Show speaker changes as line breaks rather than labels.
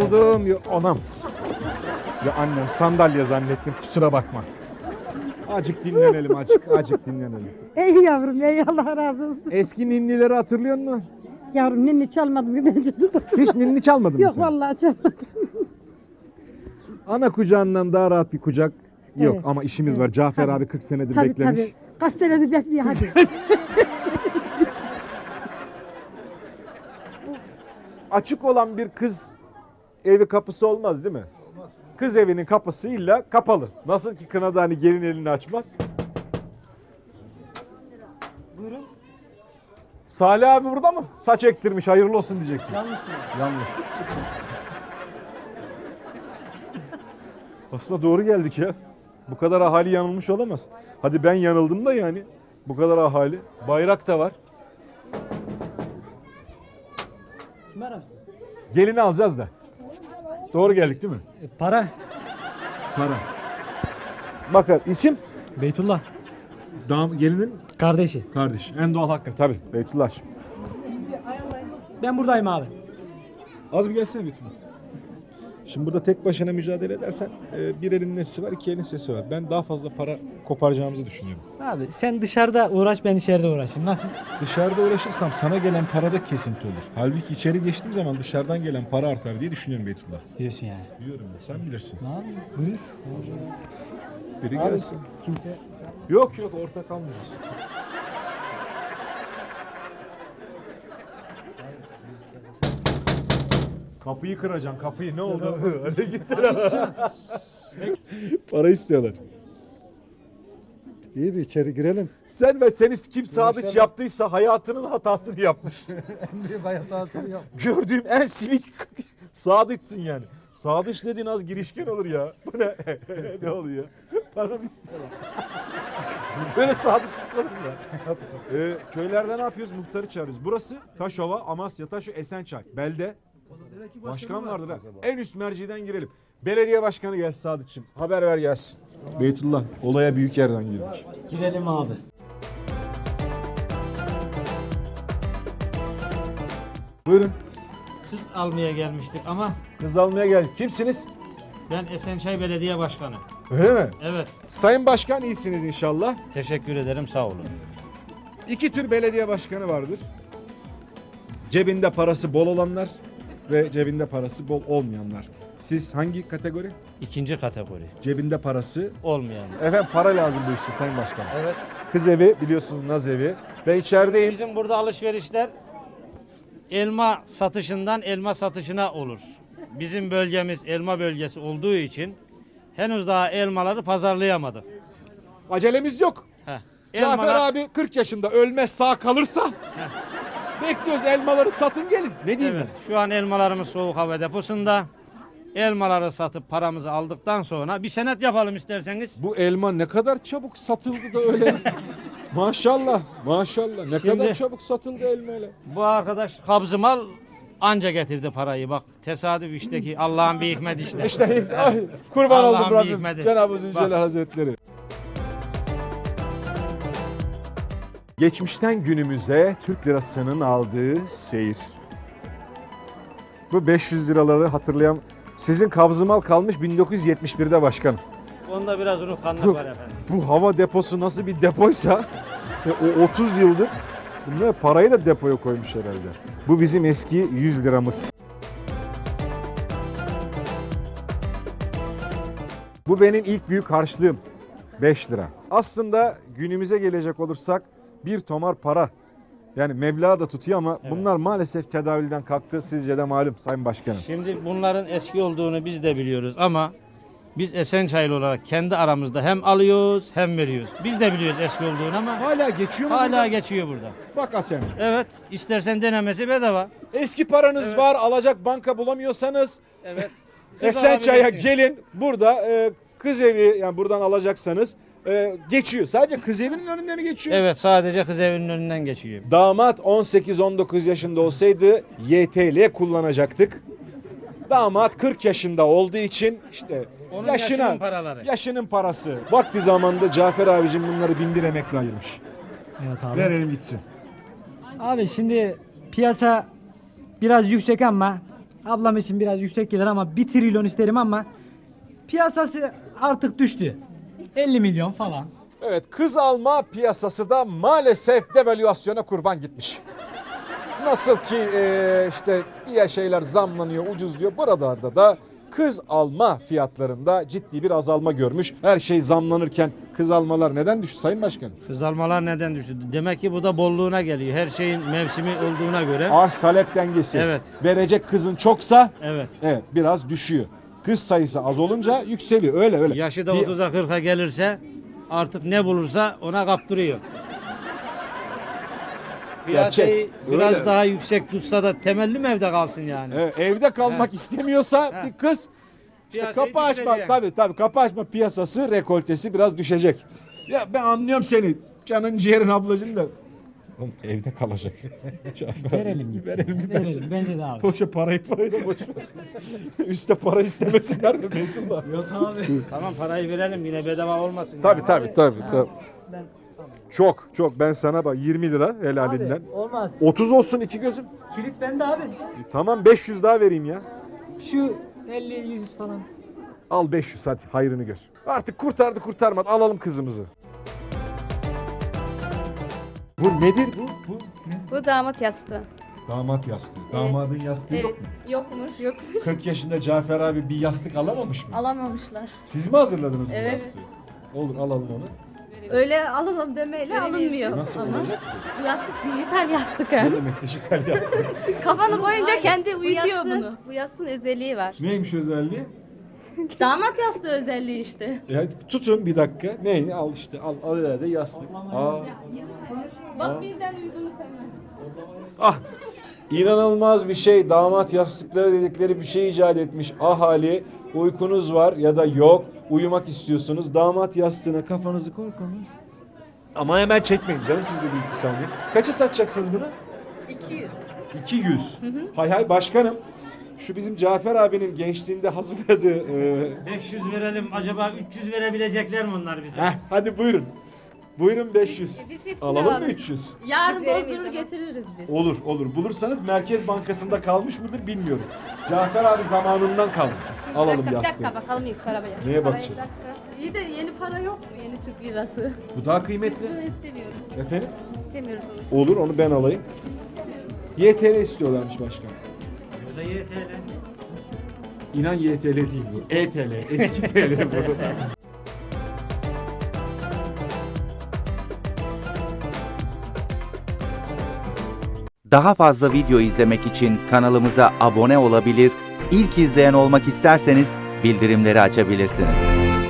yoruldum. Anam. Ya annem sandalye zannettim, kusura bakma. Acık dinlenelim, acık dinlenelim.
Ey yavrum, ey Allah razı olsun.
Eski ninnileri hatırlıyor musun?
Yavrum ninni çalmadım ki ben çocuklar.
Hiç ninni çalmadın mı
Yok
sen?
vallahi çalmadım.
Ana kucağından daha rahat bir kucak yok
Evet.
ama işimiz
Evet.
var. Cafer
Tabii.
abi 40 senedir
Tabii
beklemiş.
tabii. Kaç senedir bekliyor hadi.
Açık olan bir kız evi kapısı olmaz değil mi? Olmaz. Kız evinin kapısı illa kapalı. Nasıl ki kınada hani gelin elini açmaz.
Buyurun.
Salih abi burada mı? Saç ektirmiş, hayırlı olsun diyecektim.
Yanlış mı?
Yanlış. Aslında doğru geldik ya. Bu kadar ahali yanılmış olamaz. Hadi ben yanıldım da yani. Bu kadar ahali. Bayrak da var.
Kim ararsın?
Gelini alacağız da. Doğru geldik değil mi?
Para.
Para. Bakın isim?
Beytullah.
Gelinin
Kardeşi.
kardeş. En doğal hakkın tabii. Beytullah.
Ben buradayım abi.
Az bir gelsene Beytullah. Şimdi burada tek başına mücadele edersen bir elin nesi var, iki elin sesi var. Ben daha fazla para koparacağımızı düşünüyorum.
Abi sen dışarıda uğraş, ben içeride uğraşayım. Nasıl?
Dışarıda uğraşırsam sana gelen parada kesinti olur. Halbuki içeri geçtiğim zaman dışarıdan gelen para artar diye düşünüyorum Beytullah.
Diyorsun yani.
Diyorum ya, sen bilirsin.
Ne abi? Buyur.
Biri
Abi,
gelsin.
kimse...
Yok ortak kalmayacağız. Kapıyı kıracaksın, kapıyı. Ne oldu? Öyle gitsene. Para istiyorlar.
İyi bir içeri girelim.
Sen ve seni kim sadıç yaptıysa hayatının hatasını yapmış.
En büyük hayatatını yap.
Gördüğüm en silik sadıçsın yani. Sadıç dediğin az girişken olur ya. Bu ne? Ne oluyor? Para mı istiyorlar? Böyle sadıçlık olur mu ya? Köylerde ne yapıyoruz? Muhtarı çağırıyoruz. Burası Taşova, Amasya, Taşo, Esençay. Belde. Başkan vardır ha. En üst merciden girelim. Belediye başkanı gelsin Sadıç'ım. Haber ver gelsin. Beytullah, olaya büyük yerden girdik.
Girelim abi.
Buyurun.
Kız almaya gelmiştik ama
Kız almaya geldik. Kimsiniz?
ben Esençay Belediye Başkanı.
Öyle mi?
Evet,
Sayın Başkan iyisiniz inşallah.
teşekkür ederim, sağ olun.
İki tür belediye başkanı vardır. Cebinde parası bol olanlar ve cebinde parası bol olmayanlar. Siz hangi kategori?
İkinci kategori,
Cebinde parası.
olmayan.
Efendim para lazım bu işte Sayın Başkan.
Evet,
Kız evi biliyorsunuz, naz evi. Ben içerideyim.
bizim burada alışverişler elma satışından elma satışına olur. Bizim bölgemiz elma bölgesi olduğu için henüz daha elmaları pazarlayamadık.
Acelemiz yok.
Heh.
Cafer abi 40 yaşında ölmez sağ kalırsa bekliyoruz, elmaları satın gelin. Ne diyeyim
Evet, şu an elmalarımız soğuk hava deposunda. Elmaları satıp paramızı aldıktan sonra bir senet yapalım isterseniz.
ben? Bu elma ne kadar çabuk satıldı da öyle. Maşallah, maşallah. Ne
Şimdi-
kadar çabuk satıldı elma öyle.
Bu arkadaş kabzımal anca getirdi parayı, bak tesadüf işte ki Allah'ın bir hikmeti işte.
İşte ay, kurban
Allah'ın
oldum
bir
Rabbim.
hikmeti.
Cenab-ı Zülcelal
Bak.
Hazretleri. Geçmişten günümüze Türk lirasının aldığı seyir. Bu 500 liraları hatırlayan, sizin kabzımal kalmış 1971'de başkanım.
Onda biraz unutkanlık var efendim.
Bu hava deposu nasıl bir depoysa o 30 yıldır bunlar parayı da depoya koymuş herhalde. Bu bizim eski 100 liramız. Bu benim ilk büyük harçlığım. 5 lira. Aslında günümüze gelecek olursak bir tomar para. Yani meblağ da tutuyor ama
Evet.
bunlar maalesef tedavülden kalktı. Sizce de malum Sayın Başkanım.
Şimdi bunların eski olduğunu biz de biliyoruz ama biz Esençaylı olarak kendi aramızda hem alıyoruz hem veriyoruz. Biz de biliyoruz eski olduğunu ama
Hala geçiyor mu?
hala
burada?
geçiyor burada.
Bak Asena.
Evet, istersen denemesi bedava.
Eski paranız
Evet.
var, alacak banka bulamıyorsanız
Evet.
Esençay'a
alabilirsiniz.
gelin. Burada kız evi, yani buradan alacaksanız geçiyor. Sadece kız evinin önünde mi geçiyor?
Evet, sadece kız evinin önünden geçiyor.
Damat 18-19 yaşında olsaydı YTL kullanacaktık. Damat 40 yaşında olduğu için işte
Onun
yaşının
yaşının paraları.
yaşının parası. Vakti zamanında Cafer abicim bunları 1001 emekle ayırmış.
Evet abi.
Verelim gitsin.
Abi şimdi piyasa biraz yüksek ama ablam için biraz yüksek gelir ama 1 trilyon isterim ama piyasası artık düştü. 50 milyon falan.
Evet, kız alma piyasası da maalesef devalüasyona kurban gitmiş. Nasıl ki işte diğer şeyler zamlanıyor, ucuzluyor. Buralarda da kız alma fiyatlarında ciddi bir azalma görmüş. Her şey zamlanırken kız almalar neden düştü Sayın Başkanım?
Kız almalar neden düştü? Demek ki bu da bolluğuna geliyor. Her şeyin mevsimi olduğuna göre.
Arz talep dengesi.
Evet.
Verecek kızın çoksa
Evet.
evet biraz düşüyor. Kız sayısı az olunca yükseliyor. Öyle.
Yaşı da
Bir-
30'a 40'a gelirse artık ne bulursa ona kaptırıyor. Piyasayı
Gerçek,
biraz
öyle.
daha yüksek tutsa da temelli mi evde kalsın yani?
Evet, evde kalmak istemiyorsa
He.
bir kız işte
Piyasayı
kapı açma
düşürecek.
tabii kapı açma piyasası rekoltesi biraz düşecek. Ya ben anlıyorum seni. Canın ciğerin ablacın da. Oğlum evde kalacak.
Verelim gitsin.
Verelim.
Verelim. Bence de abi.
Boşa parayı da boş ver. Üste para istemesinler de Beytullah.
Yok abi.
Tamam parayı verelim yine bedava olmasın.
Tabii
yani.
tabii.
Ben
Çok ben sana bak 20 lira helalinden.
abi, olmaz.
30 olsun iki gözüm.
Kilit bende abi.
Tamam 500 daha vereyim ya.
Şu 50-100 falan.
Al 500 hadi hayrını gör. Artık kurtardı kurtarmadı alalım kızımızı. Bu nedir bu?
Bu damat yastığı.
Damat yastığı.
Evet.
Damadın yastığı
Evet.
yok mu?
Yokmuş. Yokmuş.
40 yaşında Cafer abi bir yastık alamamış mı?
Alamamışlar.
Siz mi hazırladınız bu
Evet.
yastığı? Olur alalım onu.
Öyle alalım demeyle
Veremeyiz.
alınmıyor.
Nasıl
ama.
olacak ki?
Bu yastık dijital yastık
Ne
ha.
demek dijital yastık?
Kafanı koyunca
Hayır,
kendi
bu
uyutuyor
yastığın-
bunu.
Bu yastığın özelliği var.
Neymiş özelliği?
Damat yastığı özelliği işte.
Hadi tutun bir dakika. Ne? Al işte al ileride yastık.
Bak birden uyudunuz hemen.
Ah! İnanılmaz bir şey. Damat yastıkları dedikleri bir şey icat etmiş ahali. Uykunuz var ya da yok. Uyumak istiyorsunuz. Damat yastığına kafanızı korkunuz. Ama hemen çekmeyin canım siz de bir iki saniye. Kaça satacaksınız bunu?
200.
200. Hay hay başkanım. Şu bizim Cafer abinin gençliğinde hazırladığı
500 verelim acaba 300 verebilecekler mi onlar bize?
hadi buyurun. Buyurun 500.
Biz hepsini
Alalım mı
alalım.
300?
Yarın
Biz veremeyiz
bozdurur
ama.
getiririz biz.
Olur. Bulursanız Merkez Bankası'nda kalmış mıdır bilmiyorum. Cafer abi zamanından kalmış. Alalım
Bir
yastığı.
dakika bakalım ilk arabaya.
Neye
Arabaya
bakacağız?
bir dakika.
İyi de yeni para yok mu? Yeni Türk lirası.
Bu daha kıymetli.
Bunu istemiyoruz.
Efendim?
İstemiyoruz onu.
Olur onu ben alayım. YTL istiyorlarmış başkan.
Burada YTL.
İnan YTL değil bu. ETL. Eski TL bu.
Daha fazla video izlemek için kanalımıza abone olabilir, ilk izleyen olmak isterseniz bildirimleri açabilirsiniz.